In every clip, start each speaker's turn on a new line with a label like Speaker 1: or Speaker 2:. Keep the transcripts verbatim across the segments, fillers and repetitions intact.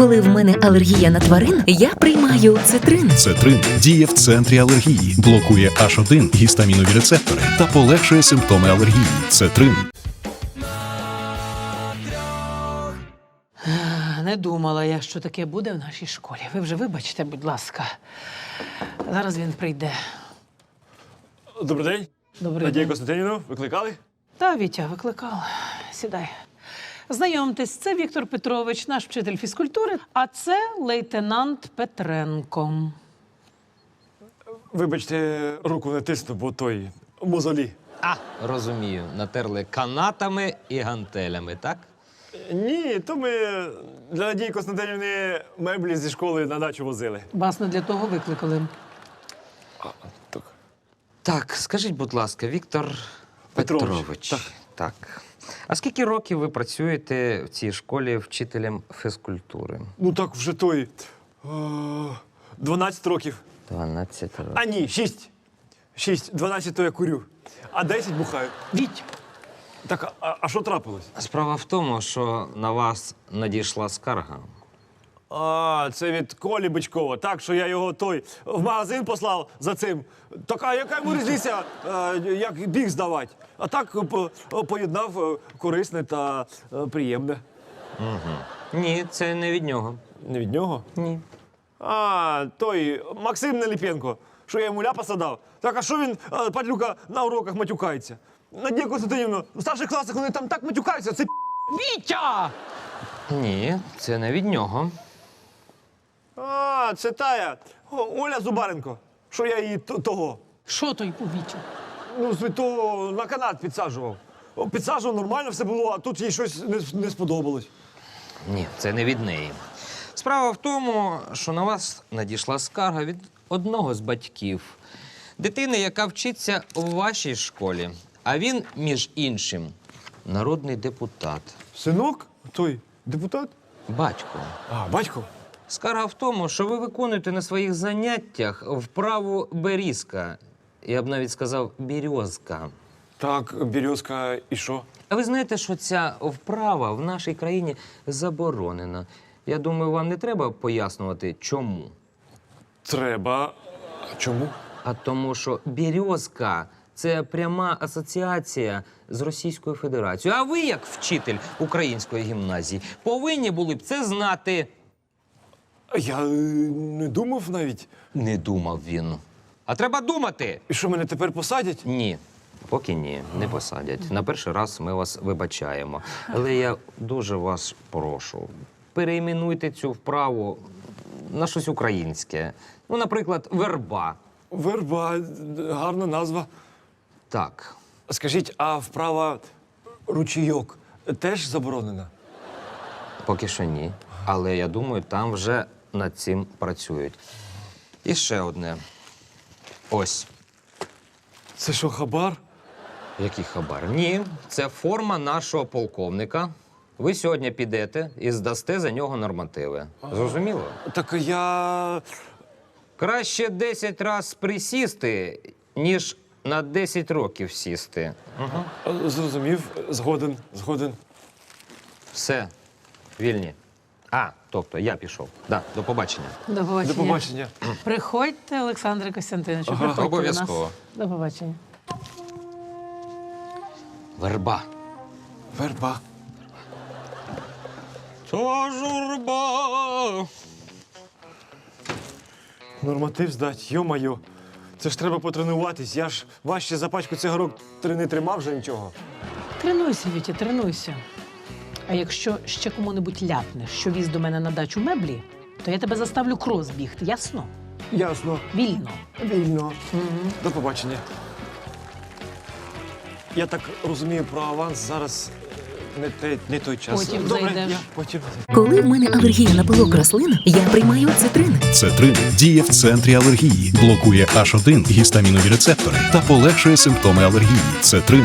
Speaker 1: Коли в мене алергія на тварин, я приймаю цитрин.
Speaker 2: Цетрин діє в центрі алергії, блокує аш один гістамінові рецептори та полегшує симптоми алергії. Цетрин.
Speaker 3: Не думала я, що таке буде в нашій школі. Ви вже вибачте, будь ласка. Зараз він прийде.
Speaker 4: Добрий день.
Speaker 3: Добрий
Speaker 4: Надія
Speaker 3: день.
Speaker 4: Костянтинівна, викликали?
Speaker 3: Та, Вітя, викликав. Сідай. Знайомтесь, це Віктор Петрович, наш вчитель фізкультури, а це лейтенант Петренко.
Speaker 4: Вибачте, руку не тисну, бо той мозолі.
Speaker 5: А, розумію. Натерли канатами і гантелями, так?
Speaker 4: Ні, то ми для Надії Костянтинівни меблі зі школи на дачу возили.
Speaker 3: Вас не для того викликали.
Speaker 4: Так.
Speaker 5: Так, скажіть, будь ласка, Віктор
Speaker 4: Петрович,
Speaker 5: Петрович.
Speaker 4: так.
Speaker 5: так. А скільки років ви працюєте в цій школі вчителем фізкультури?
Speaker 4: Ну так вже той. е, дванадцять років.
Speaker 5: дванадцять років.
Speaker 4: А ні, шість. шість. дванадцять то я курю. А десять бухаю.
Speaker 3: Віть,
Speaker 4: Так, а- а що трапилось?
Speaker 5: Справа в тому, що на вас надійшла скарга.
Speaker 4: А, це від Колі Бичкова. Так, що я його той в магазин послав за цим. Так, а яка йому різниця, е, як біг здавати? А так е, по- поєднав е, корисне та е, приємне.
Speaker 5: Ні, це не від нього.
Speaker 4: Не від нього?
Speaker 5: Ні.
Speaker 4: А, той Максим Неліпенко, що я йому ляпаса дав. Так, а що він, е, падлюка, на уроках матюкається? Надія Костянтинівна, в старших класах вони там так матюкаються, це
Speaker 3: Вітя!
Speaker 5: Ні, це не від нього.
Speaker 4: А, це тая О, Оля Зубаренко, що я її т- того.
Speaker 3: Що той у Вітю?
Speaker 4: Ну, свято на канат підсаджував. О, Підсаджував, нормально все було, а тут їй щось не, не сподобалось.
Speaker 5: Ні, це не від неї. Справа в тому, що на вас надійшла скарга від одного з батьків. Дитини, яка вчиться у вашій школі. А він, між іншим, народний депутат.
Speaker 4: Синок? Той депутат?
Speaker 5: Батько.
Speaker 4: А, батько?
Speaker 5: Скарга в тому, що ви виконуєте на своїх заняттях вправу берізка. Я б навіть сказав бірьозка.
Speaker 4: Так, Березка, і що?
Speaker 5: А ви знаєте, що ця вправа в нашій країні заборонена. Я думаю, вам не треба пояснювати, чому.
Speaker 4: Треба. А чому?
Speaker 5: А тому, що «березка» – це пряма асоціація з Російською Федерацією. А ви, як вчитель української гімназії, повинні були б це знати.
Speaker 4: Я е, не думав навіть.
Speaker 5: Не думав він. А треба думати.
Speaker 4: І що, мене тепер посадять?
Speaker 5: Ні. Поки ні, не посадять. На перший раз ми вас вибачаємо. Але я дуже вас прошу, перейменуйте цю вправу на щось українське. Ну, наприклад, верба.
Speaker 4: Верба, гарна назва.
Speaker 5: Так.
Speaker 4: Скажіть, а вправа ручійок теж заборонена?
Speaker 5: Поки що ні. Але я думаю, там вже над цим працюють. І ще одне. Ось.
Speaker 4: Це що, хабар?
Speaker 5: Який хабар? Ні, це форма нашого полковника. Ви сьогодні підете і здасте за нього нормативи. Зрозуміло?
Speaker 4: Так я.
Speaker 5: Краще десять разів присісти, ніж на десять років сісти. Угу.
Speaker 4: е, Зрозумів, згоден, згоден.
Speaker 5: Все, вільні. А, тобто я пішов. Да, до побачення.
Speaker 3: До побачення.
Speaker 4: До побачення.
Speaker 3: Приходьте, Олександре Костянтиновичу,
Speaker 4: Ага.
Speaker 3: приходьте до нас.
Speaker 5: Обов'язково.
Speaker 3: До побачення.
Speaker 5: Верба.
Speaker 4: Верба.
Speaker 5: Та журба.
Speaker 4: Норматив здать, йо-майо. Це ж треба потренуватись. Я ж важче за пачку цигарок три не тримав вже нічого.
Speaker 3: Тренуйся, Вітя, тренуйся. А якщо ще кому-небудь ляпнеш, що віз до мене на дачу меблі, то я тебе заставлю крос бігти, ясно?
Speaker 4: Ясно.
Speaker 3: Вільно.
Speaker 4: Вільно. До побачення. Я так розумію, про аванс зараз е, не, те, не той час.
Speaker 3: Потім
Speaker 4: Добре,
Speaker 3: зайдеш.
Speaker 4: я потім.
Speaker 1: Коли в мене алергія на пилок рослин, я приймаю цитрин.
Speaker 2: Цетрин діє в центрі алергії, блокує аш один гістамінові рецептори та полегшує симптоми алергії. Цетрин.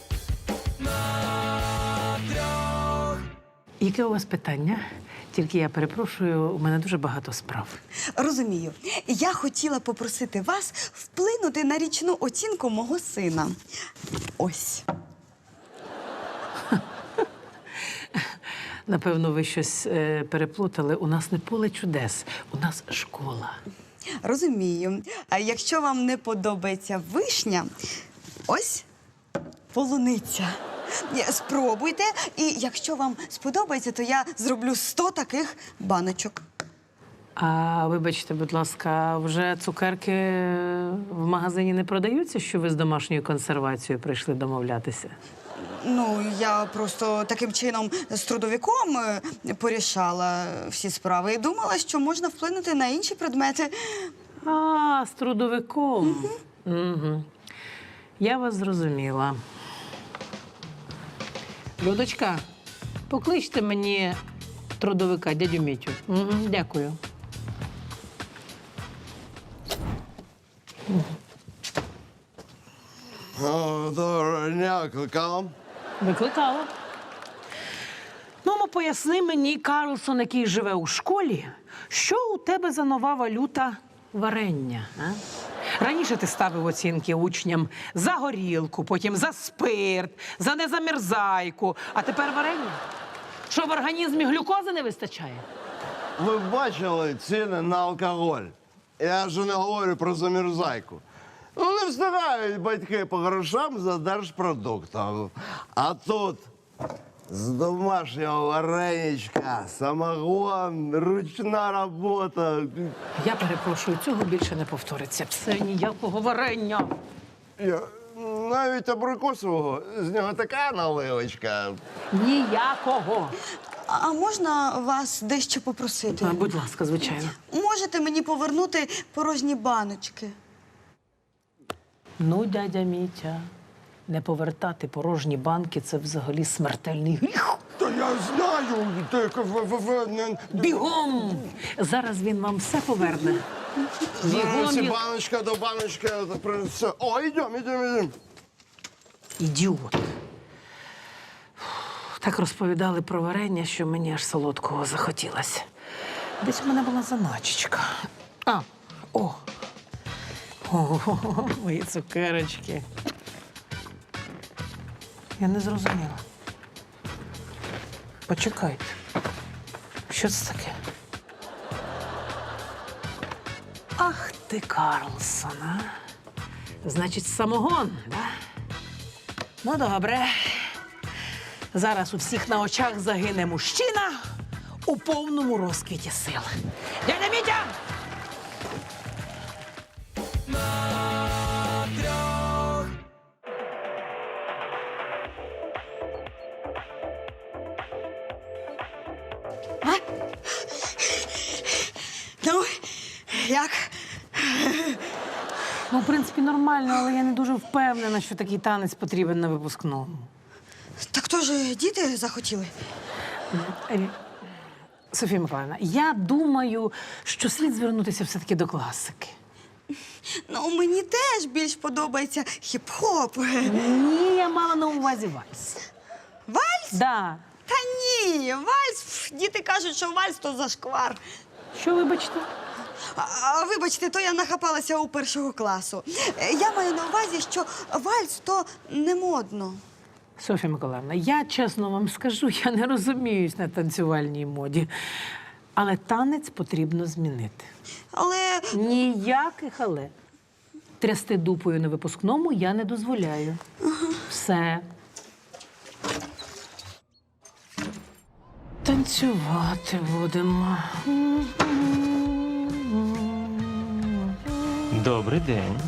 Speaker 3: Яке у вас питання? Тільки я перепрошую, у мене дуже багато справ.
Speaker 6: Розумію. Я хотіла попросити вас вплинути на річну оцінку мого сина. Ось.
Speaker 3: Напевно, ви щось е, переплутали. У нас не поле чудес, у нас школа.
Speaker 6: Розумію. А якщо вам не подобається вишня, ось полуниця. Ні, спробуйте, і якщо вам сподобається, то я зроблю сто таких баночок.
Speaker 3: А вибачте, будь ласка, вже цукерки в магазині не продаються, що ви з домашньою консервацією прийшли домовлятися?
Speaker 6: Ну, я просто таким чином з трудовиком е, порішала всі справи і думала, що можна вплинути на інші предмети.
Speaker 3: А, з трудовиком. Угу. Угу. Я вас зрозуміла. Людочка, покличте мені трудовика, дядю Мітю. Угу, дякую.
Speaker 7: О, доброго дня, кликала.
Speaker 3: Викликала. Ну, ну, поясни мені, Карлсон, який живе у школі, що у тебе за нова валюта варення, а? Раніше ти ставив оцінки учням за горілку, потім за спирт, за незамерзайку, а тепер варення? Що, в організмі глюкози не вистачає?
Speaker 7: Ви бачили ціни на алкоголь? Я вже не говорю про замерзайку. Ну, не встигають батьки по грошам за держпродуктом. А тут з домашнього вареничка, самогон, ручна робота.
Speaker 3: Я перепрошую, цього більше не повториться. Все, ніякого варення.
Speaker 7: Я, навіть абрикосового, з нього така наливочка.
Speaker 3: Ніякого.
Speaker 6: А можна вас дещо попросити?
Speaker 3: А, будь ласка, звичайно.
Speaker 6: Можете мені повернути порожні баночки?
Speaker 3: Ну, дядя Мітя, не повертати порожні банки – це взагалі смертельний гріх.
Speaker 7: Та я знаю, тільки ви, ви, ви не...
Speaker 3: Бігом! Зараз він вам все поверне. Бігом!
Speaker 7: Ці
Speaker 3: й-
Speaker 7: баночка до баночки принесе. О, йдемо, йдемо, йдемо.
Speaker 3: Ідіот. Так розповідали про варення, що мені аж солодкого захотілося. Десь у мене була заначечка. А, о! О, мої цукерочки. Я не зрозуміла. Почекайте. Що це таке? Ах ти, Карлсон, а? Значить, самогон, да? Ну, добре. Зараз у всіх на очах загине мужчина у повному розквіті сил. Дядя Мітя!
Speaker 6: Ну, як?
Speaker 3: Ну, в принципі, нормально, але я не дуже впевнена, що такий танець потрібен на випускному.
Speaker 6: Так то ж діти захотіли.
Speaker 3: Е, Софія Миколаївна, я думаю, що слід звернутися все-таки до класики.
Speaker 6: Ну, мені теж більш подобається хіп-хоп.
Speaker 3: Ні, я мала на увазі вальс.
Speaker 6: Вальс?
Speaker 3: Да.
Speaker 6: Та ні, вальс. Пф, діти кажуть, що вальс то зашквар.
Speaker 3: Що, вибачте?
Speaker 6: А, а, вибачте, то я нахапалася у першого класу. Е, Я маю на увазі, що вальс то не модно.
Speaker 3: Софія Миколаївна, я чесно вам скажу, я не розуміюсь на танцювальній моді. Але танець потрібно змінити.
Speaker 6: Але
Speaker 3: Ніяких але. Трясти дупою на випускному я не дозволяю. Все. Танцювати будемо.
Speaker 5: Добрий день.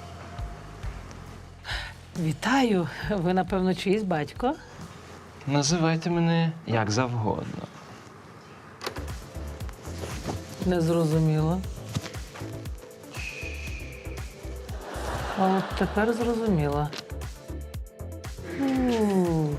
Speaker 3: Вітаю. Ви, напевно, чиїсь батько?
Speaker 5: Називайте мене як завгодно.
Speaker 3: Не зрозуміла. А от тепер зрозуміла. У.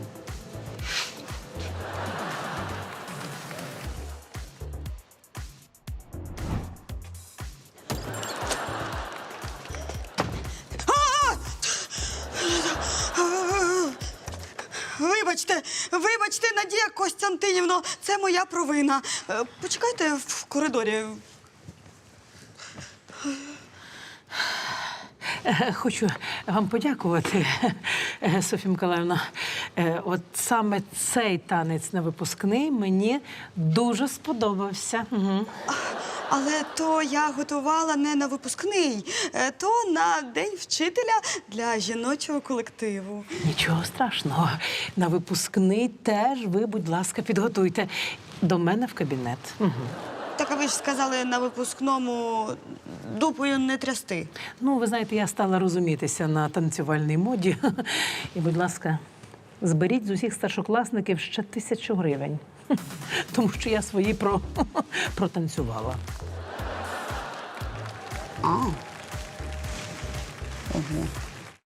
Speaker 6: вибачте, вибачте, Надія Костянтинівно, це моя провина. Е, Почекайте в коридорі.
Speaker 3: Е, Хочу вам подякувати, е, Софія Миколаївна. Е, От саме цей танець на випускний мені дуже сподобався. Угу.
Speaker 6: Але то я готувала не на випускний, е, то на день вчителя для жіночого колективу.
Speaker 3: Нічого страшного. На випускний теж ви, будь ласка, підготуйте до мене в кабінет. Угу.
Speaker 6: Так, а ви ж сказали на випускному дупою не трясти.
Speaker 3: Ну, ви знаєте, я стала розумітися на танцювальній моді. І, будь ласка, зберіть з усіх старшокласників ще тисячу гривень. Тому що я свої про... протанцювала.
Speaker 6: А. Ого.